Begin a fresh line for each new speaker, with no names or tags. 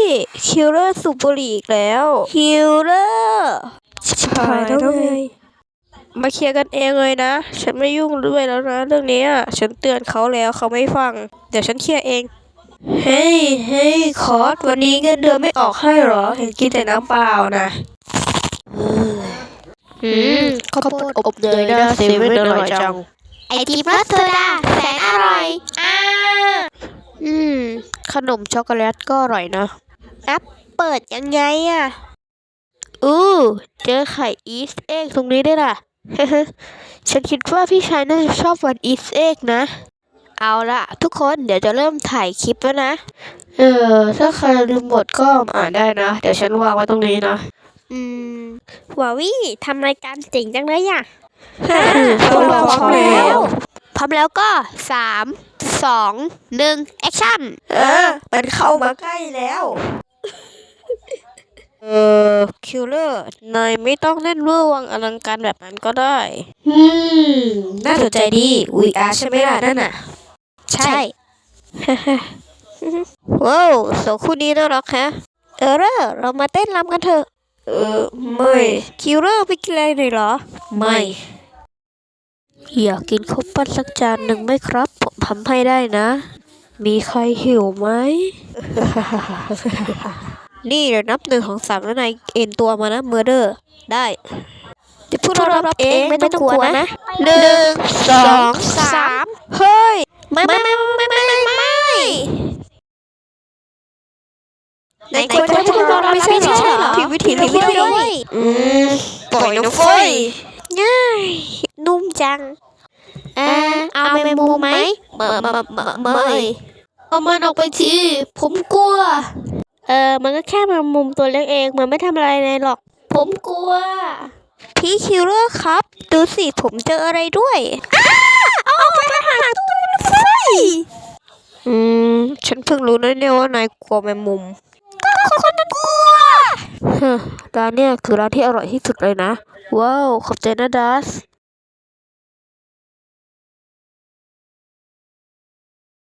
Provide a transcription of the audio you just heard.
คิลเลอร์สูบบุหรี่อีกแล้วคิลเลอร์ชิบหายแล้วไงมาเคลียร์กันเองเลยนะฉันไม่ยุ่งด้วยแล้วนะเรื่องนี้ฉันเตือนเขาแล้วเขาไม่ฟังเดี๋ยวฉันเคลียร์เองเฮ้ยคอร์สวันนี้เงินเดือนไม่ออกให้เหรอเห็นกินแต่น้ำเปล่านะข้าวโพดอบเนยนะเซเว่นอร่อยจัง
ไอติมรสโซดาแสนอร่อย
ขนมช็อกโกแลตก็อร่อยนะ
แอปเปิดยังไง
เจอไข่อีสเอ็กตรงนี้ได้ล่ะ ฉันคิดว่าพี่ชายน่าจะชอบวันอีสเอ็กนะเอาละทุกคนเดี๋ยวจะเริ่มถ่ายคลิปแล้วนะถ้าใครลืมบทก็อ่านได้นะเดี๋ยวฉันวางไว้ตรงนี้นะ
วาวี่ทำรายการเจ๋งจังเลย
พวกเราพร้อมแล้ว
พร้อมแล้วก็3 2 1แอคชั่น
มันเข้ามาใกล้แล้วคิลเลอร์นายไม่ต้องเล่นเวอร์วังอลังการแบบนั้นก็ได้น่าสนใจดี VR ใช่ไหมล่ะนั่นน่ะ
ใช่
ว้าวสองคู่นี้น่ารักแฮะเรามาเต้นรำกันเถอะไม่คิลเลอร์ไปกินอะไรหน่อยเหรอไม่อยากกินข้าวปั้นสักจานหนึ่งไหมครับผมทำให้ได้นะมีใครหิวไหม นี่เดี๋ยวนับ1 2 3แล้วนายเอ็นตัวมานะเมอร์เดอร์ได้เดี๋ยวพวกเรารับเองไม่ต้องกลัวนะ1 2 3เฮ้ยไม่นายควรจะให้พวกเรารับไม่ใช่เหรอผิดวิธีด้วยปล่อยน้องเฟยง่ายนุ่มจัง
เอาแมงมุมไหม
ไม่เอามันออกไปทีผมกลัว
มันก็แค่แมงมุมตัวเล็กเองมันไม่ทำอะไรเลยหรอก
ผมกลัวพี่คิลเลอร์ครับดูสิผมเจออะไรด้วย
เอาไปหาตู้ไฟ
ฉันเพิ่งรู้นะเนี่ยว่านายกลัวแมงมุม
ก็คนนั้นกลัว
ร้านเนี่ยคือร้านที่อร่อยที่สุดเลยนะว้าวขอบใจนะดัส